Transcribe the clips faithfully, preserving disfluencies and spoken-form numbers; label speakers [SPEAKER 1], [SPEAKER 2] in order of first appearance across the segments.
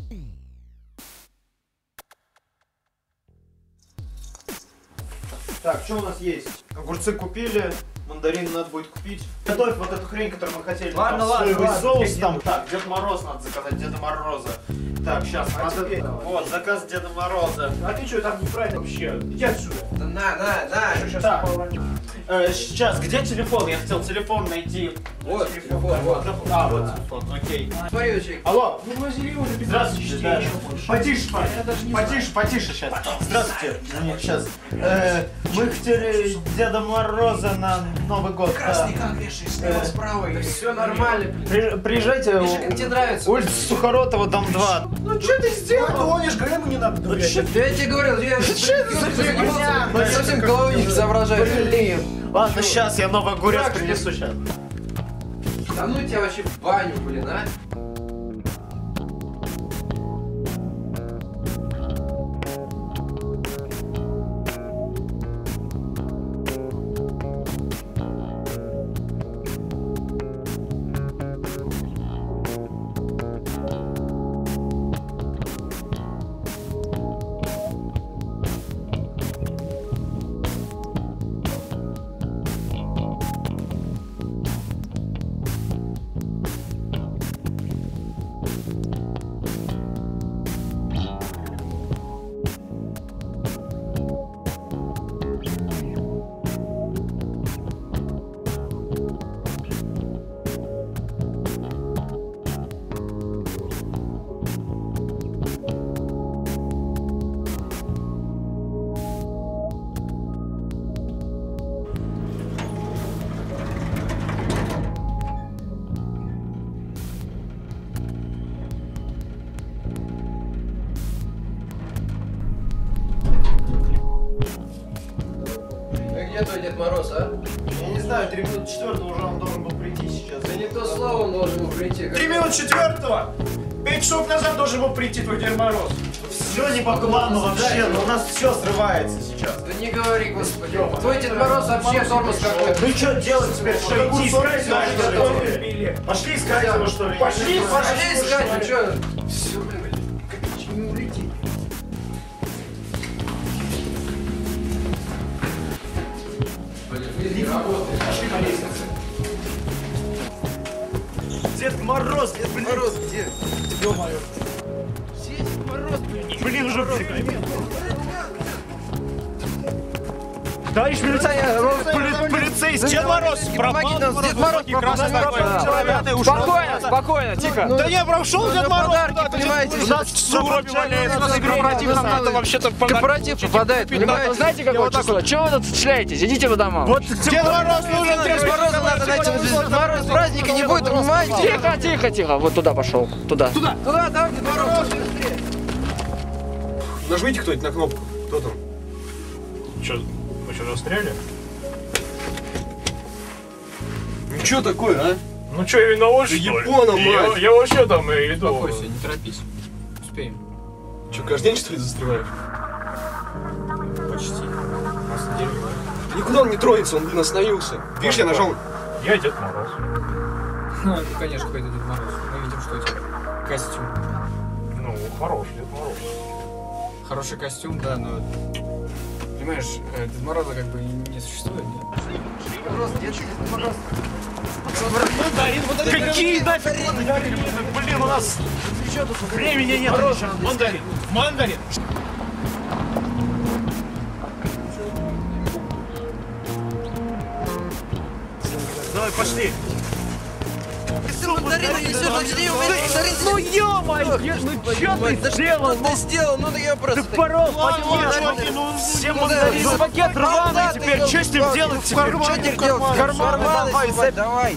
[SPEAKER 1] Так, что у нас есть? Огурцы купили, мандарины надо будет купить. Готовь вот эту хрень, которую мы хотели.
[SPEAKER 2] Ладно,
[SPEAKER 1] там,
[SPEAKER 2] ладно,
[SPEAKER 1] соевый
[SPEAKER 2] ладно,
[SPEAKER 1] соус там. Так, Дед Мороз надо заказать, Деда Мороза. Так, сейчас,
[SPEAKER 2] а
[SPEAKER 1] надо...
[SPEAKER 2] теперь...
[SPEAKER 1] Вот, заказ Деда Мороза.
[SPEAKER 2] А ты что, там неправильно вообще? Иди отсюда.
[SPEAKER 3] Да на, на, на.
[SPEAKER 2] Сейчас
[SPEAKER 1] Так. Э, сейчас, где телефон? Я хотел телефон найти.
[SPEAKER 3] Вот, телефон, вот.
[SPEAKER 1] А, вот телефон, окей.
[SPEAKER 3] Смотри, Ючик.
[SPEAKER 1] Алло.
[SPEAKER 2] Ну, возили уже без
[SPEAKER 1] Здравствуйте, да. Потише, Паш.
[SPEAKER 2] Я даже не
[SPEAKER 1] Потише, потише сейчас. Здравствуйте. Нет, сейчас. Э, мы хотели Деда Мороза на Новый год.
[SPEAKER 3] Красный
[SPEAKER 1] Да.
[SPEAKER 3] как вешаешь, слева, справа.
[SPEAKER 2] Да все нормально, блин.
[SPEAKER 1] При- приезжайте.
[SPEAKER 3] Миша, как тебе нравится?
[SPEAKER 1] Улица Сухоротова, дом два.
[SPEAKER 2] Ну что ты сделал? Ты гонишь, говори, ему не надо доверять.
[SPEAKER 3] Да я тебе говорил, я
[SPEAKER 1] фигня?
[SPEAKER 3] Ну, совсем головой не соображаю. Блин.
[SPEAKER 1] Ладно, сейчас я новый огурец принесу сейчас.
[SPEAKER 3] Да ну тебя вообще в баню, блин, а? Где твой Дед Мороз, а?
[SPEAKER 1] Я не знаю, три минуты четвертого уже он должен был прийти сейчас.
[SPEAKER 3] Да не то слово он должен был прийти.
[SPEAKER 2] Три минуты четвертого! Пять часов назад должен был прийти твой Дед Мороз.
[SPEAKER 1] Все не по плану вообще, но у нас все срывается сейчас.
[SPEAKER 3] Да не говори, господи. Твой Дед Мороз вообще тормоз какой-то.
[SPEAKER 1] Ну что делать теперь? Что, идти искать его, что ли? Пошли искать его, что ли?
[SPEAKER 2] Пошли,
[SPEAKER 3] Пошли искать, ну что?
[SPEAKER 2] Все, блин, как не улетит.
[SPEAKER 3] Не работает.
[SPEAKER 2] Пошли по лестнице.
[SPEAKER 1] Дед Мороз, Дед
[SPEAKER 3] Мороз где?
[SPEAKER 1] Ё-моё.
[SPEAKER 3] Дед Мороз, блин.
[SPEAKER 1] Блин, уже...
[SPEAKER 4] Товарищ милиционер,
[SPEAKER 1] Поли- полицейский, Дед Мороз
[SPEAKER 3] Помоги нам, Дед Мороз
[SPEAKER 1] красный такой.
[SPEAKER 4] спокойно, спокойно, тихо.
[SPEAKER 1] Да не, прошел Дед Мороз.
[SPEAKER 3] подарки, понимаете?
[SPEAKER 1] У нас в сугробе валяется, у нас корпоратив, нам надо вообще-то
[SPEAKER 3] Корпоратив попадает, понимаете?
[SPEAKER 4] Знаете, какое число? Чего вы тут стреляетесь? Идите по домам.
[SPEAKER 1] Вот Дед Мороз нужен,
[SPEAKER 3] Дед Мороза надо найти, Дед Мороз праздника не будет, понимаете?
[SPEAKER 4] Тихо, тихо, тихо. Вот туда пошел. Туда.
[SPEAKER 3] Туда, давай, Дед Мороз.
[SPEAKER 5] Нажмите кто-нибудь на кнопку. Кто там?
[SPEAKER 6] Че, мы что, застряли?
[SPEAKER 5] Ну что такое, а?
[SPEAKER 6] Ну что, я виноват, что ли?
[SPEAKER 5] Япона,
[SPEAKER 6] Я,
[SPEAKER 5] мать!
[SPEAKER 6] я вообще там и иду.
[SPEAKER 3] Успокойся, не торопись. Успеем.
[SPEAKER 5] Что, каждый день что ли застреваешь?
[SPEAKER 6] Почти. На самом деле.
[SPEAKER 5] Никуда он не троится, он, блин, остановился. Видишь, я нажал.
[SPEAKER 6] Я Дед Мороз.
[SPEAKER 3] Ну, это, конечно, какой-то Дед Мороз. Мы видим, что у тебя костюм.
[SPEAKER 6] Ну, хороший Дед Мороз.
[SPEAKER 3] Хороший костюм, да, но... Понимаешь, э, Дед Мороза как бы не существует, нет? Дед Мороз, Дед Мороз.
[SPEAKER 1] Какие нафиг мандарины? Блин, у нас времени нет.
[SPEAKER 6] Мандарин! Мандарин!
[SPEAKER 1] Давай, пошли.
[SPEAKER 3] Мандарин несет, начни уметь мандарин.
[SPEAKER 4] Ну ё-моё, ну чё ты сделал?
[SPEAKER 3] Ты сделал, ну я просто...
[SPEAKER 4] Порол,
[SPEAKER 1] Чуваки, ну все мандарины.
[SPEAKER 4] ну пакет рваный теперь, что с ним делать теперь?
[SPEAKER 3] Что теперь делать?
[SPEAKER 4] В карман давай,
[SPEAKER 3] давай, давай.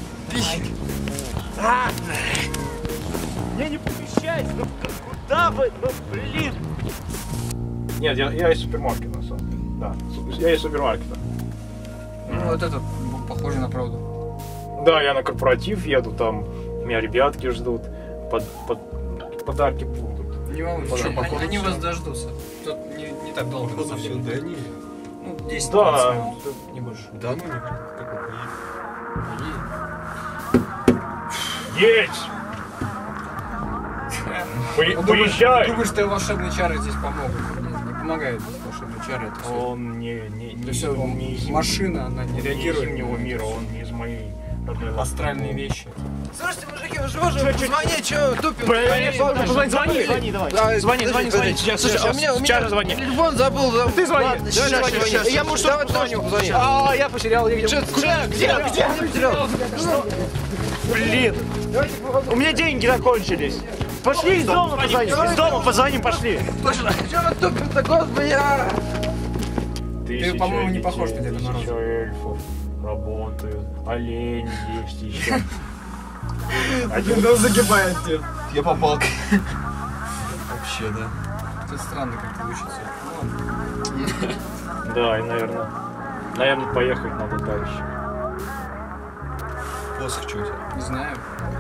[SPEAKER 4] Мне не помещается, ну куда вы, ну блин.
[SPEAKER 6] Нет, я, я из супермаркета, на самом деле. Да, су- я из супермаркета.
[SPEAKER 3] Ну вот это похоже на правду.
[SPEAKER 6] Да, я на корпоратив еду, там меня ребятки ждут, под, под, подарки будут.
[SPEAKER 3] Не волнуйся,
[SPEAKER 6] Что,
[SPEAKER 3] они,
[SPEAKER 6] походу,
[SPEAKER 3] они
[SPEAKER 6] всё.
[SPEAKER 3] вас дождутся. Тут не, не так долго, на самом деле.
[SPEAKER 5] Да не.
[SPEAKER 3] Ну, десять-двадцать
[SPEAKER 6] Да,
[SPEAKER 3] минут, не больше.
[SPEAKER 5] Да ну не, как он поедет.
[SPEAKER 6] есть! По-
[SPEAKER 3] Он
[SPEAKER 6] Поезжай!
[SPEAKER 3] Думаешь, что волшебные чары здесь помогут? Нет, не помогает волшебные чары. Это все,
[SPEAKER 6] Он не, не, не,
[SPEAKER 3] это все
[SPEAKER 6] он не из
[SPEAKER 3] машина, она не
[SPEAKER 6] не из
[SPEAKER 3] реагирует.
[SPEAKER 6] зимнего мира, он не из моей родной Латвии.
[SPEAKER 3] Астральные вещи.
[SPEAKER 7] Слушайте, мужики, вы же можете позвонить, что тупим?
[SPEAKER 6] Позвони, звони, звони, давай.
[SPEAKER 7] Да,
[SPEAKER 6] Звони, звони, звони. Сейчас,
[SPEAKER 7] Слушай,
[SPEAKER 6] сейчас,
[SPEAKER 7] а у меня, у меня
[SPEAKER 6] сейчас звони.
[SPEAKER 7] телефон забыл. забыл.
[SPEAKER 6] Ты звони.
[SPEAKER 7] Ладно,
[SPEAKER 6] Сейчас,
[SPEAKER 7] сейчас,
[SPEAKER 6] сейчас,
[SPEAKER 7] сейчас.
[SPEAKER 6] сейчас.
[SPEAKER 7] Я мужу
[SPEAKER 6] Давай,
[SPEAKER 7] позвоню, позвоню.
[SPEAKER 6] А, я потерял. я
[SPEAKER 7] Что,
[SPEAKER 6] где?
[SPEAKER 7] куда? Где? Где? Где потерял?
[SPEAKER 6] Блин. У меня деньги закончились. Пошли из дома позвоним. Из дома позвоним, пошли.
[SPEAKER 7] Точно. Что вы тупим-то, господи, а?
[SPEAKER 6] Тысяча
[SPEAKER 3] по-моему, не
[SPEAKER 6] детей,
[SPEAKER 3] похож на Деда Мороза.
[SPEAKER 6] Тысяча эльфов работают. Олени есть еще. Один
[SPEAKER 3] Ну, загибает дед.
[SPEAKER 5] Я попал. Вообще, да.
[SPEAKER 3] Это странно как-то учится.
[SPEAKER 6] Да, и, наверное, наверное, поехать надо дальше.
[SPEAKER 5] Посох что у тебя?
[SPEAKER 3] Не знаю.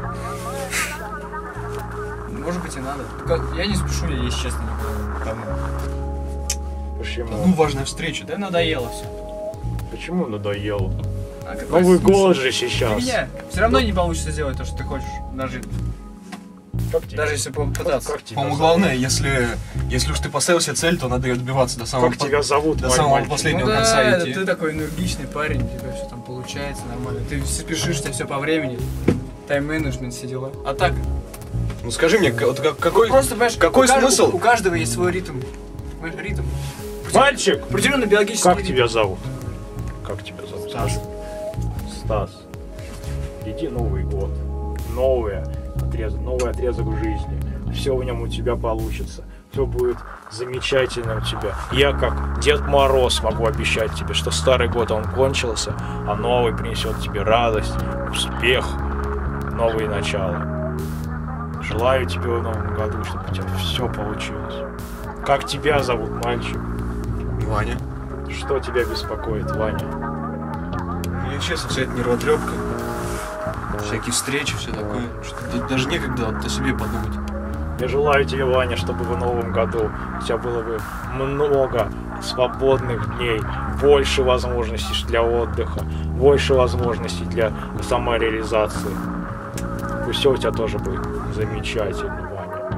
[SPEAKER 3] Может быть и надо. Только я не спешу, я, если честно, никуда. Давно.
[SPEAKER 6] Почему?
[SPEAKER 5] Ну, важная встреча,
[SPEAKER 3] Да
[SPEAKER 5] да?
[SPEAKER 3] надоело все.
[SPEAKER 6] Почему надоело?
[SPEAKER 3] А какой
[SPEAKER 6] Новый
[SPEAKER 3] смысл?
[SPEAKER 6] год же сейчас.
[SPEAKER 3] Фигня. Все равно не получится сделать то, что ты хочешь. Даже,
[SPEAKER 6] Как тебе?
[SPEAKER 3] даже если попытаться.
[SPEAKER 6] Как тебя
[SPEAKER 5] По-моему,
[SPEAKER 6] зовут?
[SPEAKER 5] главное, если, если уж ты поставил себе цель, то надо ее добиваться до самого,
[SPEAKER 6] Как тебя зовут,
[SPEAKER 5] до
[SPEAKER 6] мой
[SPEAKER 5] самого
[SPEAKER 6] мальчик?
[SPEAKER 5] последнего
[SPEAKER 3] Ну
[SPEAKER 5] конца
[SPEAKER 3] да,
[SPEAKER 5] идти.
[SPEAKER 3] ты такой энергичный парень, у тебя все там получается нормально. Ты спешишь, у тебя все по времени. Тайм-менеджмент, все дела. А так,
[SPEAKER 5] Ну скажи мне, к- вот как- какой,
[SPEAKER 3] просто, понимаешь,
[SPEAKER 5] какой
[SPEAKER 3] у каждого-
[SPEAKER 5] смысл?
[SPEAKER 3] У каждого есть свой ритм. Понимаешь, ритм.
[SPEAKER 6] Мальчик!
[SPEAKER 3] Определенно биологический
[SPEAKER 6] Как
[SPEAKER 3] ритм.
[SPEAKER 6] тебя зовут? Как тебя зовут? Стас. Стас. Иди Новый год. Новый отрезок, новый отрезок в жизни. Все в нем у тебя получится. Все будет замечательно у тебя. Я, как Дед Мороз, могу обещать тебе, что старый год он кончился, а новый принесет тебе радость, успех, новые начала. Желаю тебе в новом году, чтобы у тебя все получилось. Как тебя зовут, мальчик?
[SPEAKER 5] Ваня.
[SPEAKER 6] Что тебя беспокоит, Ваня?
[SPEAKER 5] Мне честно, вся эта нервотрепка, всякие встречи, все такое, что да- даже некогда вот о себе подумать.
[SPEAKER 6] Я желаю тебе, Ваня, чтобы в новом году у тебя было бы много свободных дней, больше возможностей для отдыха, больше возможностей для самореализации. Пусть все у тебя тоже будет замечательно, Ваня.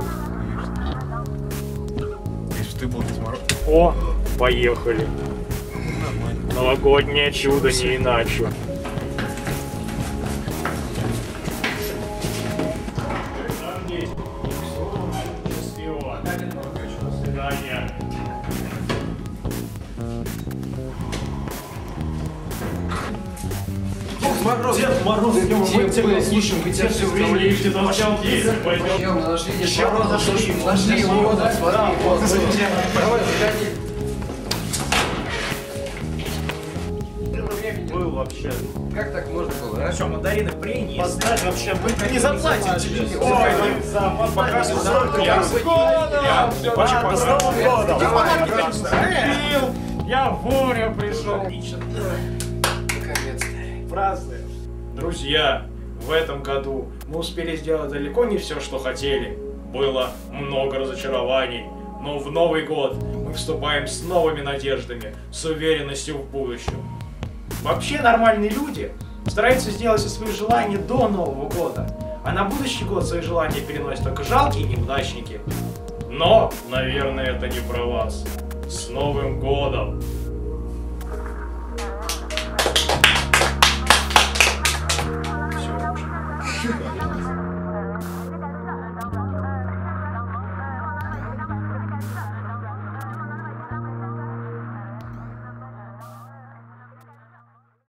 [SPEAKER 5] Если бы ты был Дед Мороз.
[SPEAKER 6] О, поехали.
[SPEAKER 5] Нормально.
[SPEAKER 6] Новогоднее чудо, не иначе.
[SPEAKER 1] Дед Мороз, мы тебя слушаем, мы тебя все время ищем.
[SPEAKER 7] Пойдем, нашли Дед Мороза, нашли, нашли его, вот, смотри, вот, давай, заходи.
[SPEAKER 1] Был вообще.
[SPEAKER 7] Как так можно было, а?
[SPEAKER 2] Что, мандарины принес?
[SPEAKER 1] Поставь вообще, мы не заплатим тебе.
[SPEAKER 2] Ой,
[SPEAKER 1] Пока
[SPEAKER 2] с Новым годом!
[SPEAKER 6] Я вовремя пришел.
[SPEAKER 7] Наконец-то.
[SPEAKER 6] Празднуем. Друзья, в этом году мы успели сделать далеко не все, что хотели. Было много разочарований. Но в Новый год мы вступаем с новыми надеждами, с уверенностью в будущем. Вообще нормальные люди стараются сделать все свои желания до Нового года. А на будущий год свои желания переносят только жалкие неудачники. Но, наверное, это не про вас. С Новым годом!